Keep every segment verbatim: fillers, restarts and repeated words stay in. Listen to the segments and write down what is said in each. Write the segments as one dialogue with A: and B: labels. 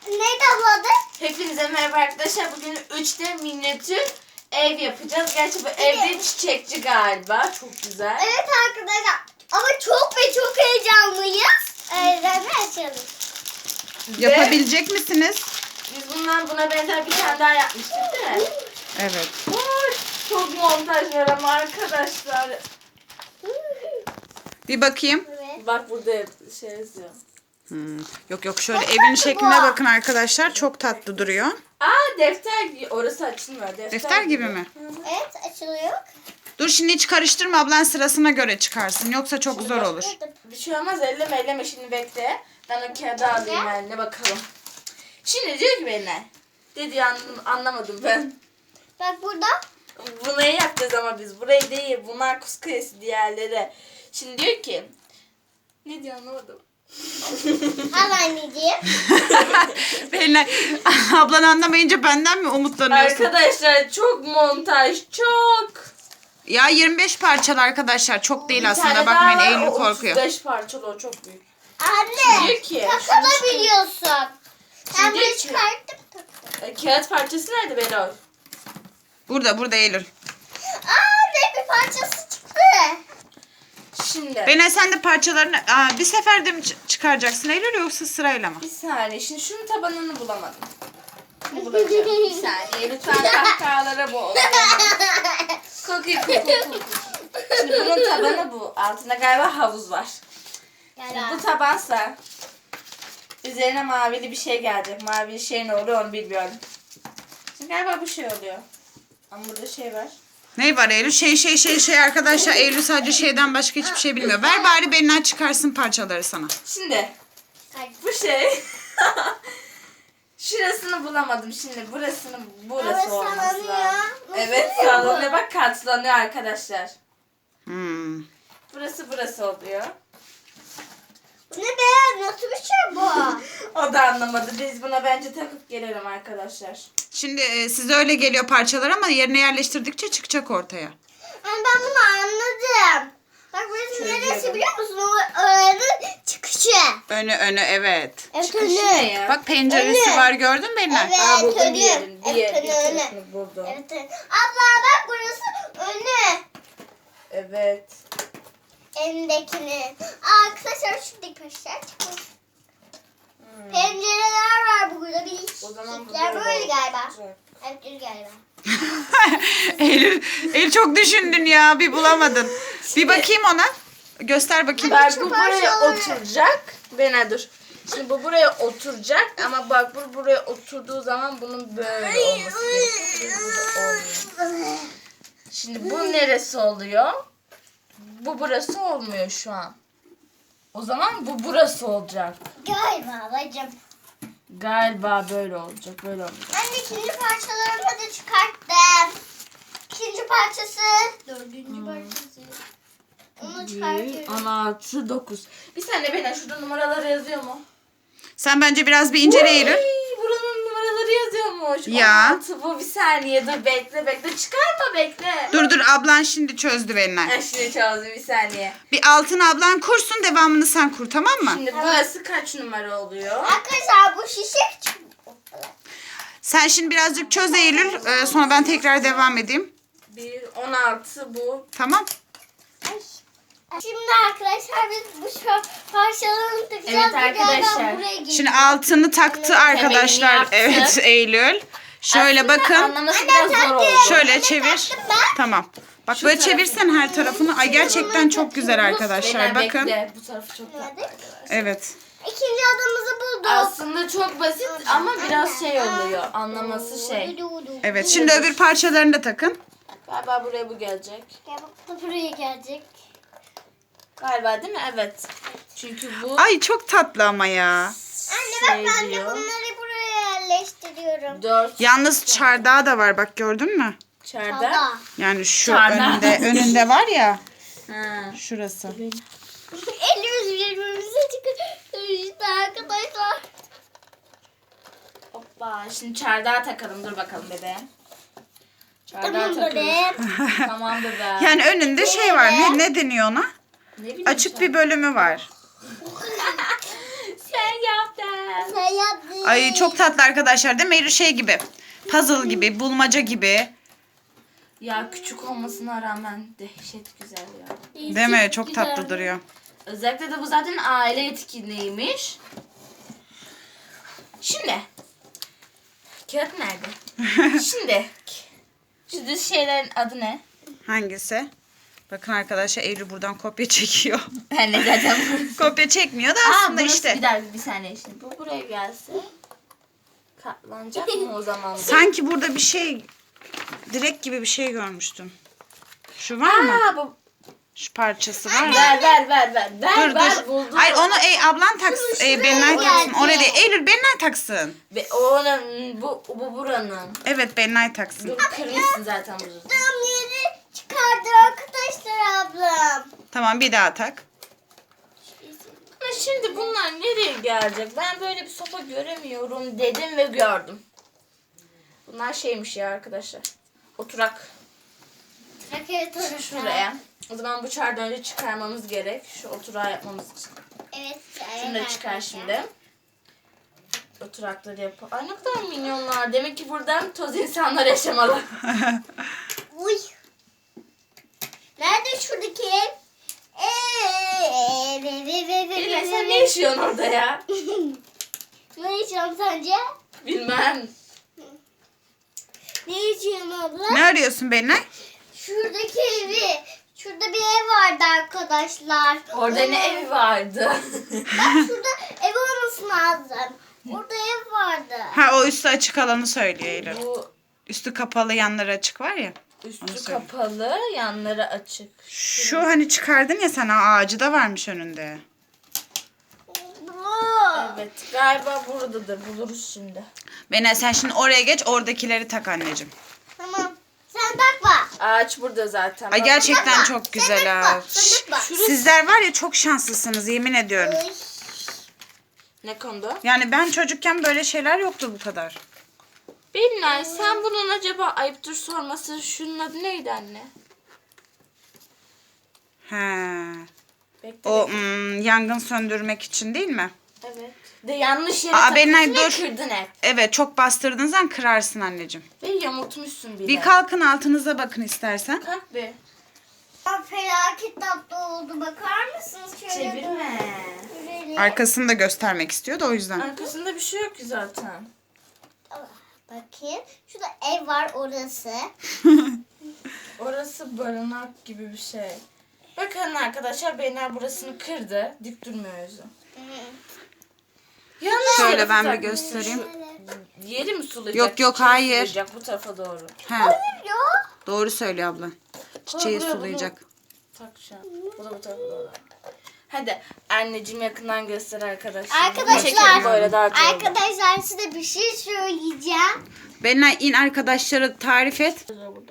A: Neydi abladı?
B: Hepinize merhaba arkadaşlar. Bugün üç D minyatür ev yapacağız. Gerçi bu evde çiçekçi galiba. Çok güzel.
A: Evet arkadaşlar. Ama çok ve çok heyecanlıyız. Öğrenme açalım.
C: Yapabilecek misiniz?
B: Biz bundan buna benzer bir tane daha yapmıştık değil mi?
C: Evet.
B: Vay, çok montaj var ama arkadaşlar.
C: Bir bakayım.
A: Evet.
B: Bak burada şey yazıyor.
C: Hmm. Yok yok şöyle evin şekline bakın arkadaşlar. Çok tatlı duruyor.
B: Aa defter gi- orası açılmıyor. Defter,
C: Defter gibi mi?
A: Evet açılıyor.
C: Dur şimdi hiç karıştırma, ablan sırasına göre çıkarsın. Yoksa çok zor olur.
B: Bir şey olmaz, elleme elleme şimdi bekle. Ben o kağıdı alayım eline bakalım. Şimdi diyor ki benimle. Dedi an, anlamadım ben.
A: Bak burada.
B: Burayı yapacağız ama biz. Burayı değil. Bunlar Kuz Kulesi diğerleri. Şimdi diyor ki. Ne diyor anlamadım.
A: Al anneciğim.
C: Benle ablan anlamayınca benden mi umutlanıyorsun?
B: Arkadaşlar çok montaj. Çok.
C: Ya yirmi beş parçalı arkadaşlar. Çok değil
B: Bir
C: aslında.
B: tane
C: Bakmayın
B: daha var,
C: Eylül
B: o
C: korkuyor.
B: otuz beş parçalı o çok büyük.
A: Anne.
B: Diyor ki.
A: Takabiliyorsun. Sen
B: Şimdi
A: bunu
B: ki-
A: çıkarttın.
B: E, kağıt parçası nerede Beral?
C: Burada burada Eylül.
A: Aa ne bir parçası çıktı.
B: Şimdi.
C: Bene sen de parçalarını Aa, bir seferde mi ç- çıkaracaksın Eylül yoksa sırayla mı?
B: Bir saniye. Şimdi şunun tabanını bulamadım. Bulacağım. Bir saniye. Lütfen kahkahalara boğul. Kokuyor kokuyor kokuyor. Şimdi bunun tabanı bu. Altında galiba havuz var. Şimdi bu tabansa üzerine mavili bir şey gelecek. Mavili şey ne oluyor onu bilmiyorum. Şimdi galiba bu şey oluyor. Ama burada şey var.
C: Ne var Eylül? Şey şey şey şey arkadaşlar. Eylül sadece şeyden başka hiçbir şey bilmiyor. Ver bari Belinay çıkarsın parçaları sana.
B: Şimdi bu şey. Şurasını bulamadım şimdi. Burasını burası
A: Evet,
B: olması
A: sallanıyor.
B: lazım.
A: Nasıl
B: Evet
A: oluyor bu?
B: sallanıyor. Bak katlanıyor arkadaşlar.
C: Hmm.
B: Burası burası oluyor.
A: Bu ne be? Nasıl bir şey bu?
B: O da anlamadı. Biz buna bence takıp gelelim arkadaşlar.
C: Şimdi e, size öyle geliyor parçalar ama yerine yerleştirdikçe çıkacak ortaya.
A: Yani ben bunu anladım. Bak burası
B: Çözüyorum.
A: neresi biliyor musun? O öğrenin çıkışı.
C: Önü önü evet.
A: Evet
B: Çıkışı
A: önü.
B: ne ya?
C: Bak penceresi
A: Önü.
C: var gördün mü Belinay?
A: Evet
B: Aa, buldum
A: önü.
B: diğerini. Diğer,
A: Evet
B: bir
A: önü önü.
B: tarafını buldum.
A: Evet önü. Abla bak burası önü.
B: Evet.
A: Elindekini. Aa arkadaşlar şuradaki peşler çıkmış. Pencereler var burada. Bir
B: O zaman bu
A: işler
B: böyle
A: böyle galiba.
B: olacak.
A: Evet böyle galiba.
C: Eylül, Eylül çok düşündün ya bir bulamadın. Bir bakayım ona. Göster bakayım.
B: Bak
A: Şu
B: bu buraya
A: parçaları-
B: oturacak. Bena dur. Şimdi bu buraya oturacak ama bak bu buraya oturduğu zaman bunun böyle olması gerekiyor. Burada olmuyor. Şimdi bu neresi oluyor? Bu burası olmuyor şu an. O zaman bu burası olacak.
A: Galiba bacım.
B: Galiba böyle olacak. Böyle olacak.
A: Ben de ikinci parçalarımı da çıkarttım. İkinci parçası. Dördüncü parçası. Onu çıkartıyorum.
B: on altı, dokuz. Bir saniye Bena şurada numaraları yazıyor mu?
C: Sen bence biraz bir incele Eylül.
B: Uy, buranın numaraları yazıyormuş.
C: Ya.
B: on altı bu bir saniye dur bekle bekle çıkarma bekle.
C: Dur dur ablan şimdi çözdü Belinay.
B: Ha, şimdi çözdüm bir saniye.
C: Bir altını ablan kursun, devamını sen kur, tamam mı?
B: Şimdi burası kaç numara oluyor?
A: Arkadaşlar bu şişe küçük.
C: Sen şimdi birazcık çöz Eylül. e, sonra ben tekrar devam edeyim.
B: bir, on altı bu.
C: Tamam.
A: Ay. Şimdi arkadaşlar biz bu şu parçalarını takacağız.
B: Evet
A: Bu
B: arkadaşlar.
A: galiba buraya geliyor.
C: Şimdi altını taktı arkadaşlar.
B: yaptı.
C: Evet Eylül. Şöyle
B: Aslında
C: bakın.
B: anlaması biraz zor oldu.
C: Şöyle çevir. Tamam. Bak böyle çevirsen her tarafını. Ay gerçekten çok güzel arkadaşlar.
B: Bena
C: Bakın.
B: bekle. Bu tarafı çok tatlı.
A: Evet.
C: Evet.
A: İkinci adamımızı bulduk.
B: Aslında çok basit ama biraz şey oluyor. Anlaması şey.
C: Evet. Şimdi öbür parçalarını da takın.
B: Galiba buraya bu gelecek.
A: Gel bak da buraya gelecek.
B: Galiba değil mi? Evet. Çünkü bu
C: Ay çok tatlı ama ya.
A: Anne bak
B: Şey
A: ben de
B: diyor.
A: bunları buraya yerleştiriyorum.
B: dört
C: Yalnız çardağı da var bak gördün mü?
B: çardak.
A: Çada.
C: Yani şu
B: Çardağı.
C: önünde önünde var ya.
B: Ha.
C: Şurası.
A: Elimiz birbirimize çıkıyor. İşte arkadaşlar.
B: Hoppa. Şimdi çardağı takalım. Dur bakalım bebeğim. Çardağı
A: Tamam
B: takıyoruz.
A: bebeğim.
B: Tamam bebeğim.
C: Yani önünde şey var. Ne, ne deniyor ona?
B: Ne bileyim
C: Açık
B: sen.
C: bir bölümü var.
B: Sen yaptın. ben.
A: Sen yaptın.
C: Ay çok tatlı arkadaşlar değil mi? Eylül şey gibi. Puzzle gibi, bulmaca gibi.
B: Ya küçük olmasına rağmen dehşet güzel ya.
C: Değil mi? Çok tatlı duruyor.
B: Özellikle de bu zaten aile etkinliğiymiş. Şimdi. Kağıt nerede? Şimdi. Şu düz şeylerin adı ne?
C: Hangisi? Bakın arkadaşlar Eylül buradan kopya çekiyor.
B: Ben de zaten
C: Kopya çekmiyor da
B: Aa,
C: aslında
B: burası
C: işte.
B: Bir dakika bir saniye şimdi. Bu buraya gelse katlanacak mı o zaman? bu?
C: Sanki burada bir şey, direk gibi bir şey görmüştüm. Şu var mı?
B: Aa, bu...
C: Şu parçası var mı?
B: Ver ver ver ver. Ver
C: Dur
B: ver
C: dur.
B: buldum.
C: Hayır onu ey, ablan taksın. E, Benay taksın.
A: geldi.
C: Oraya değil. Eylül Benay taksın.
B: Ve onun bu bu buranın.
C: Evet Benay taksın.
B: Dur kırmışsın zaten bunu.
A: Tam yeri çıkardı arkadaşlar ablam.
C: Tamam bir daha tak.
B: Ama şimdi bunlar nereye gelecek? Ben böyle bir sopa göremiyorum dedim ve gördüm. Bunlar şeymiş ya arkadaşlar. Oturak.
A: Evet orası.
B: Şuraya. O zaman bu çardan önce çıkarmamız gerek. Şu oturağı yapmamız için.
A: Evet.
B: Şunu da çıkar şimdi. Oturakları yap. Ay ne kadar minyonlar. Demek ki buradan toz insanlar yaşamalı.
A: Uy. Nerede şuradaki ev? Eee, ev, ev, ev, ev, ev,
B: Bilme
A: ev,
B: sen
A: ev.
B: ne yaşıyorsun orada ya?
A: Ne yaşıyorum sence?
B: Bilmem.
A: Ne yaşıyorum abla?
C: Ne arıyorsun Benay?
A: Şuradaki evi. Şurada bir ev vardı arkadaşlar.
B: Orada ne evi vardı?
A: Bak şurada ev olması lazım. Orada ev vardı.
C: Ha o üstü açık alanı söylüyor Eylül.
B: Bu
C: Üstü kapalı yanları açık var ya. Onu
B: üstü
C: söyle.
B: kapalı, yanları açık.
C: Şu hani çıkardın ya sen ağacı da varmış önünde.
B: Evet, galiba buradadır. Buluruz şimdi.
C: Benay sen şimdi oraya geç oradakileri tak anneciğim.
A: Tamam. Sen bakma.
B: Ağaç burada zaten.
C: Ay
B: Bak-
C: gerçekten
A: Bakma.
C: çok
A: Sen
C: güzel
A: bakma.
C: ha.
A: Sen bakma.
C: Sizler var ya çok şanslısınız yemin ediyorum.
A: Uy.
B: Ne konuda?
C: Yani ben çocukken böyle şeyler yoktu bu kadar.
B: Bilmem, sen bunun acaba ayıptır sorması şunun adı neydi anne?
C: He.
B: Bekle.
C: O
B: bekle.
C: mm, yangın söndürmek için değil mi?
B: Evet. De yanlış yere
C: Aa,
B: takıyorsun
C: Benay,
B: ve
C: dur.
B: kırdın hep.
C: Evet çok bastırdığın zaman kırarsın anneciğim.
B: Ve yamultmuşsun bile.
C: Bir kalkın altınıza bakın istersen.
B: Kalk bir.
A: Aa, felaket tatlı oldu. Bakar mısınız? Şöyle
B: Çevirme.
A: Şöyle.
C: Arkasını da göstermek istiyor da o yüzden.
B: Arkasında bir şey yok ki zaten.
A: Bakayım. Şurada ev var orası.
B: Orası barınak gibi bir şey. Bakın arkadaşlar Benay burasını kırdı. Dik durmuyor yüzü. Yanlış
C: Şöyle
B: yere
C: ben bir
B: takmışsın.
C: göstereyim.
B: Şu Yeri mi sulayacak?
C: Yok, yok,
B: çiçeği
C: hayır.
B: Sulayacak bu tarafa doğru.
C: He,
A: Yok.
C: doğru söylüyor abla. Çiçeği
B: Buraya bunu
C: sulayacak.
B: takacağım. Bu da bu tarafa doğru. Hadi anneciğim yakından göster arkadaşlar.
A: Arkadaşlar.
B: Çekelim böyle daha çok.
A: Arkadaşlar size bir şey söyleyeceğim.
C: Benay in arkadaşlara tarif et.
B: Burada.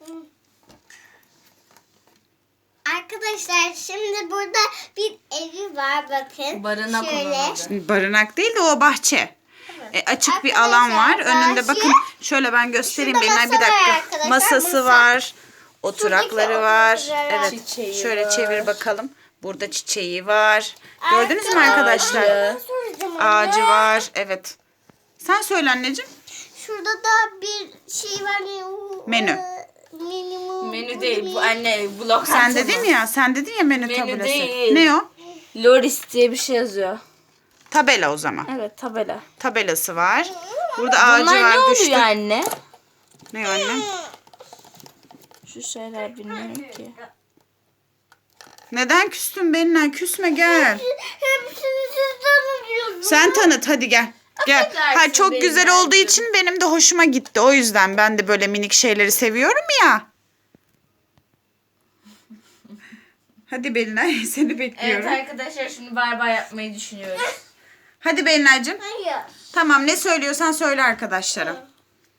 A: Arkadaşlar şimdi burada bir evi var bakın.
B: Barınak
A: Şöyle.
B: olan adı.
C: Barınak değil de o bahçe. E, açık bir
A: Arkadaşlar,
C: alan var. Önünde
A: bahçe.
C: bakın şöyle ben göstereyim.
A: Şurada
C: Benay bir
A: masa var
C: dakika.
A: arkadaşlar,
C: Masası
A: masa.
C: var. Oturakları var.
A: oturakları var.
C: Evet.
B: Çiçeği
C: Şöyle
B: var.
C: çevir bakalım. Burada çiçeği var. Gördünüz mü arkadaşlar?
B: Ağacı.
A: Soracağım
C: Ağacı
A: anne.
C: var. Evet. Sen söyle anneciğim.
A: Şurada da bir şey var. ne o?
C: Menü.
A: Ee, Menü.
B: Menü değil bu anne bu lokanta
C: Sen
B: mı?
C: dedin ya. Sen dedin ya menü,
B: Menü
C: tabelası.
B: değil.
C: Ne o?
B: Loris diye bir şey yazıyor.
C: Tabela o zaman.
B: Evet tabela.
C: Tabelası var. Burada ağacı
B: Bunlar
C: var.
B: ne oluyor
C: düştü.
B: anne?
C: Ne o anne?
B: Şu şeyler bilmiyorum ki.
C: Neden küstün benimle? Küsme gel.
A: Hepsini siz tanıyorsunuz.
C: Sen tanıt hadi gel. Gel.
B: Affedersin
C: Ha çok
B: benim
C: güzel
B: yavrum.
C: olduğu için benim de hoşuma gitti. O yüzden ben de böyle minik şeyleri seviyorum ya. Hadi Belinay seni
B: Evet
C: bekliyorum.
B: arkadaşlar şimdi bay bay yapmayı düşünüyoruz.
C: Hadi Belinay'cığım.
A: Hayır.
C: Tamam ne söylüyorsan söyle arkadaşlara.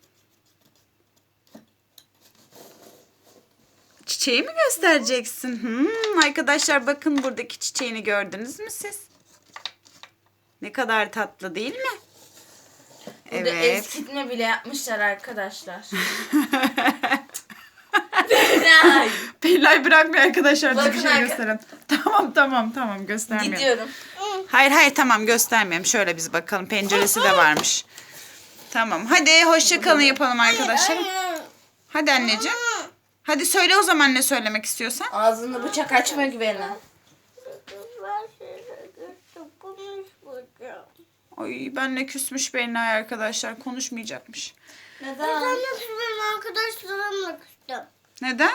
C: Çiçeği mi göstereceksin? Hmm, arkadaşlar bakın buradaki çiçeğini gördünüz mü siz? Ne kadar tatlı değil mi?
B: Burada
C: Evet.
B: eskitme bile yapmışlar arkadaşlar. Benay.
C: Belinay bırakmıyor arkadaşlar.
B: Bakın
C: Bir şey
B: arka-
C: gösterin. Tamam tamam tamam göstermiyorum.
B: Gidiyorum.
A: Hmm.
C: Hayır hayır tamam göstermeyeyim. Şöyle biz bakalım. Penceresi de varmış. Tamam. Hadi hoşça kalın yapalım arkadaşlar. Hadi anneciğim. Hadi söyle o zaman ne söylemek istiyorsan.
B: Ağzını bıçak açma güvene.
C: Ay benle küsmüş Belinay arkadaşlar. Konuşmayacakmış.
B: Neden?
A: Ben de benim arkadaşlarımla küstüm.
C: Neden?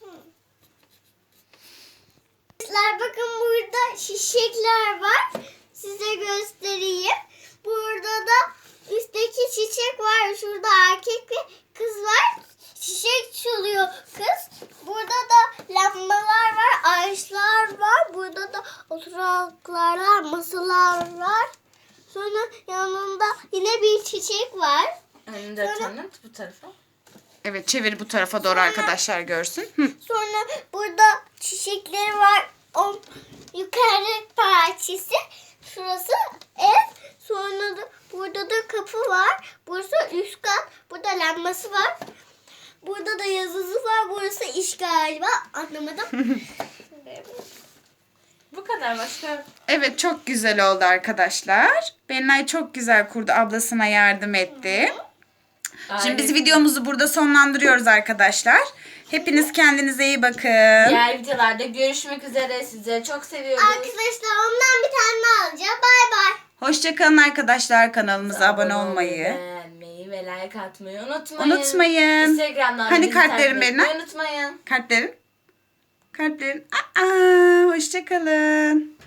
A: Arkadaşlar bakın burada çiçekler var. Size göstereyim. Burada da üstteki çiçek var. Şurada erkek ve kız var. Çiçek çalıyor kız. Burada da lambalar var. Ağaçlar var. Burada da oturaklar var. Masalar var. Sonra yanında yine bir çiçek var.
B: Önünde tanıt bu tarafa.
C: Evet çevir bu tarafa doğru arkadaşlar görsün. Hı.
A: Sonra burada çiçekleri var. O yukarı parçası. Şurası ev. Sonra da burada da kapı var. Burası üst kat. Burada lambası var. Burada da yazısı var. Burası iş galiba. Anlamadım.
B: Bu kadar başka.
C: Evet çok güzel oldu arkadaşlar. Belinay çok güzel kurdu. Ablasına yardım etti. Şimdi biz videomuzu burada sonlandırıyoruz arkadaşlar. Hepiniz kendinize iyi bakın.
B: Diğer videolarda görüşmek üzere. Sizleri çok seviyoruz.
A: Arkadaşlar ondan bir tane daha alacağım. Bay bay.
C: Hoşçakalın arkadaşlar. Kanalımıza abone olmayı
B: beğenmeyi ve like atmayı unutmayın.
C: unutmayın.
B: Instagram'dan
C: Hani
B: bizi
C: kartlerin
B: takip etmeyi
C: Belinay?
B: unutmayın.
C: Kartlerin. Kartlerin. Aa, hoşçakalın.